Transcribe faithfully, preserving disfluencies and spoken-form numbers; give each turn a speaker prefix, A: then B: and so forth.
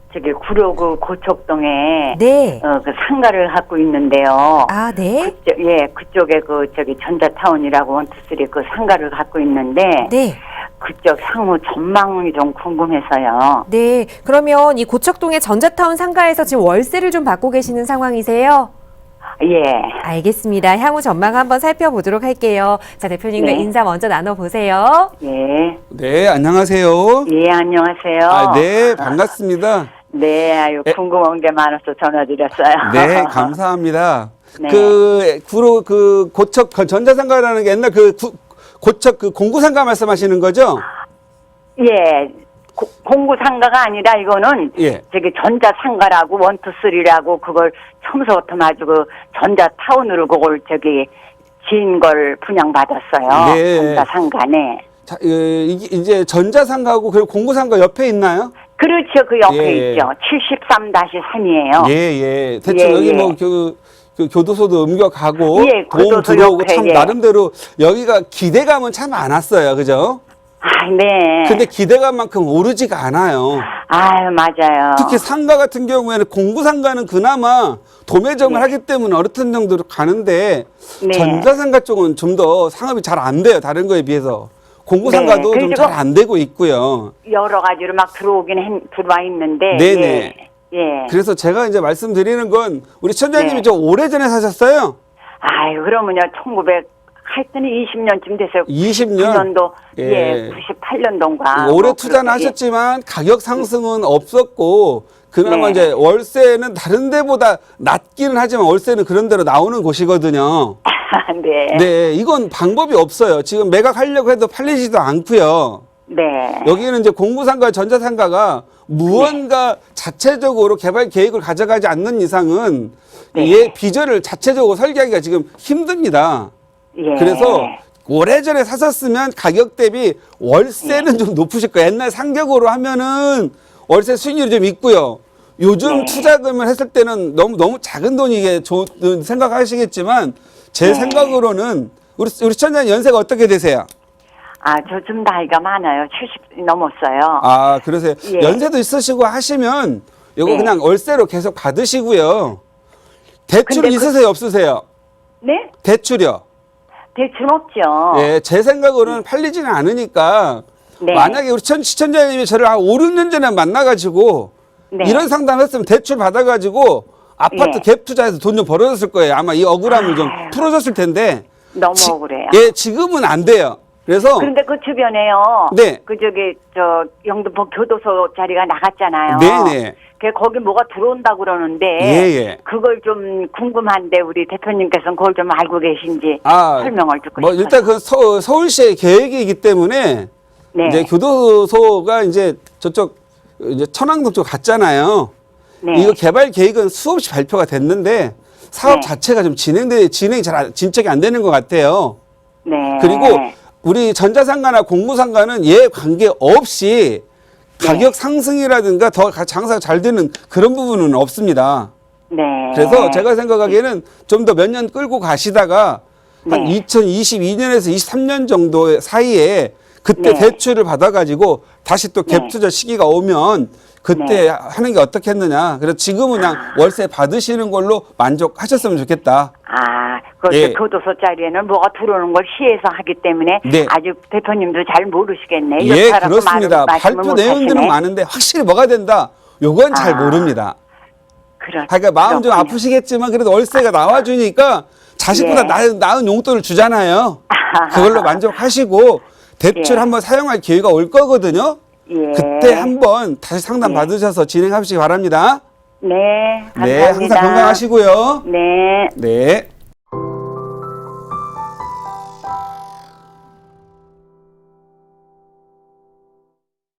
A: 저기 구로구 고척동에
B: 네.
A: 어, 그 상가를 갖고 있는데요.
B: 아, 네.
A: 그쪽, 예, 그쪽에 그 저기 전자타운이라고 원투쓰리 그 상가를 갖고 있는데
B: 네.
A: 그쪽 향후 전망이 좀 궁금해서요.
B: 네. 그러면 이 고척동의 전자타운 상가에서 지금 월세를 좀 받고 계시는 상황이세요?
A: 예.
B: 알겠습니다. 향후 전망 한번 살펴보도록 할게요. 자, 대표님과
A: 네.
B: 인사 먼저 나눠보세요.
A: 예.
C: 네, 안녕하세요.
A: 예, 안녕하세요.
C: 아, 네, 반갑습니다.
A: 네, 아유,
C: 에-
A: 궁금한 게 많아서 전화드렸어요.
C: 네, 감사합니다.
A: 네.
C: 그, 구로, 그, 고척, 그 전자상가라는 게 옛날 그, 구, 고척 그 공구상가 말씀하시는 거죠?
A: 예. 고, 공구상가가 아니라 이거는
C: 예.
A: 저기 전자상가라고 원투쓰리라고 그걸 처음부터 아주 그 전자타운으로 그걸 저기 지은 걸 분양받았어요.
C: 네.
A: 전자상가네.
C: 자, 예, 이게 이제 전자상가하고 그리고 공구상가 옆에 있나요?
A: 그렇죠. 그 옆에
C: 예.
A: 있죠. 칠십삼 삼이에요.
C: 예, 예. 대충
A: 예,
C: 여기
A: 예.
C: 뭐, 그, 그 교도소도 옮겨가고,
A: 예,
C: 돈
A: 교도소
C: 들어오고
A: 옆에,
C: 참
A: 예.
C: 나름대로 여기가 기대감은 참 많았어요. 그죠?
A: 아, 네.
C: 근데 기대감만큼 오르지가 않아요.
A: 아유, 맞아요.
C: 특히 상가 같은 경우에는 공구상가는 그나마 도매점을
A: 네.
C: 하기 때문에 어떤 정도로 가는데
A: 네.
C: 전자상가 쪽은 좀 더 상업이 잘 안 돼요. 다른 거에 비해서. 공구상가도
A: 네.
C: 좀
A: 그리고
C: 잘 안 되고 있고요.
A: 여러 가지로 막 들어오긴 해, 들어와 있는데.
C: 네네.
A: 예. 예.
C: 그래서 제가 이제 말씀드리는 건 우리 천장님이
A: 네.
C: 좀 오래전에 사셨어요?
A: 아유, 그러면요, 천구백, 하여튼 이십 년쯤 됐어요.
C: 이십 년?
A: 구 년도, 예,
C: 예.
A: 구십팔 년도인가.
C: 오래
A: 뭐
C: 투자는
A: 그렇게,
C: 하셨지만 가격 상승은 없었고 그나마
A: 네.
C: 이제 월세는 다른 데보다 낮기는 하지만 월세는 그런 대로 나오는 곳이거든요.
A: 네.
C: 네, 이건 방법이 없어요. 지금 매각하려고 해도 팔리지도 않고요.
A: 네.
C: 여기는 이제 공구상가, 전자상가가 무언가 자체적으로 개발 계획을 가져가지 않는 이상은
A: 네.
C: 얘 비전을 자체적으로 설계하기가 지금 힘듭니다.
A: 예.
C: 그래서 오래전에 사셨으면 가격 대비 월세는 좀 높으실 거예요. 옛날 상격으로 하면은 월세 수익률이 좀 있고요. 요즘
A: 네.
C: 투자금을 했을 때는 너무 너무 작은 돈이 이게 좋은 생각하시겠지만 제
A: 네.
C: 생각으로는 우리 우리 시청자님 연세가 어떻게 되세요?
A: 아, 저 좀 나이가 많아요. 칠십 넘었어요.
C: 아, 그러세요.
A: 예.
C: 연세도 있으시고 하시면 요거
A: 네.
C: 그냥 월세로 계속 받으시고요. 대출
A: 근데 그-
C: 있으세요, 없으세요?
A: 네?
C: 대출이요.
A: 대출 없죠.
C: 예, 제 생각으로는 팔리지는 않으니까
A: 네.
C: 만약에 우리 천, 시청자님이 저를 한 오, 육 년 전에 만나가지고
A: 네.
C: 이런 상담 했으면 대출 받아가지고 아파트
A: 예.
C: 갭 투자해서 돈 좀 벌어졌을 거예요. 아마 이 억울함을 좀
A: 아유.
C: 풀어줬을 텐데.
A: 너무
C: 지-
A: 억울해요.
C: 예, 지금은 안 돼요. 그래서
A: 그런데 그 주변에요.
C: 네.
A: 그 저기 저 영등포 교도소 자리가 나갔잖아요.
C: 네네.
A: 그 거기 뭐가 들어온다 그러는데
C: 예, 예.
A: 그걸 좀 궁금한데 우리 대표님께서는 그걸 좀 알고 계신지
C: 아,
A: 설명을 듣고
C: 뭐
A: 싶어요.
C: 일단 그 서, 서울시의 계획이기 때문에
A: 네.
C: 이제 교도소가 이제 저쪽 이제 천왕동 쪽 갔잖아요.
A: 네.
C: 이거 개발 계획은 수없이 발표가 됐는데 사업
A: 네.
C: 자체가 좀 진행돼 진행이 잘 안- 진척이 안 되는 것 같아요.
A: 네.
C: 그리고 우리 전자상가나 공무상가는 얘 관계 없이 가격 상승이라든가 더 가- 장사가 잘 되는 그런 부분은 없습니다.
A: 네.
C: 그래서 제가 생각하기에는 좀 더 몇 년 끌고 가시다가 한
A: 네.
C: 이천이십이 년에서 이십삼 년 정도 사이에 그때
A: 네.
C: 대출을 받아가지고 다시 또
A: 네.
C: 갭 투자 시기가 오면 그때
A: 네.
C: 하는 게 어떻겠느냐. 그래서 지금은 그냥 월세 받으시는 걸로 만족하셨으면 좋겠다.
A: 아, 그
C: 예.
A: 교도소 자리에는 뭐가 들어오는 걸 시에서 하기 때문에
C: 네.
A: 아주 대표님도 잘 모르시겠네.
C: 예,
A: 이렇다라고
C: 그렇습니다.
A: 말을- 말씀을
C: 발표
A: 못
C: 내용들은
A: 하시네.
C: 많은데 확실히 뭐가 된다. 요건 잘
A: 아.
C: 모릅니다.
A: 그렇,
C: 그러니까 마음 좀
A: 그렇군요.
C: 아프시겠지만 그래도 월세가 나와주니까 자식보다
A: 예.
C: 나은, 나은 용돈을 주잖아요. 그걸로 만족하시고 대출
A: 예.
C: 한번 사용할 기회가 올 거거든요.
A: 예.
C: 그때 한번 다시 상담
A: 예.
C: 받으셔서 진행하시기 바랍니다.
A: 네, 감사합니다.
C: 네, 항상 건강하시고요.
A: 네.
C: 네.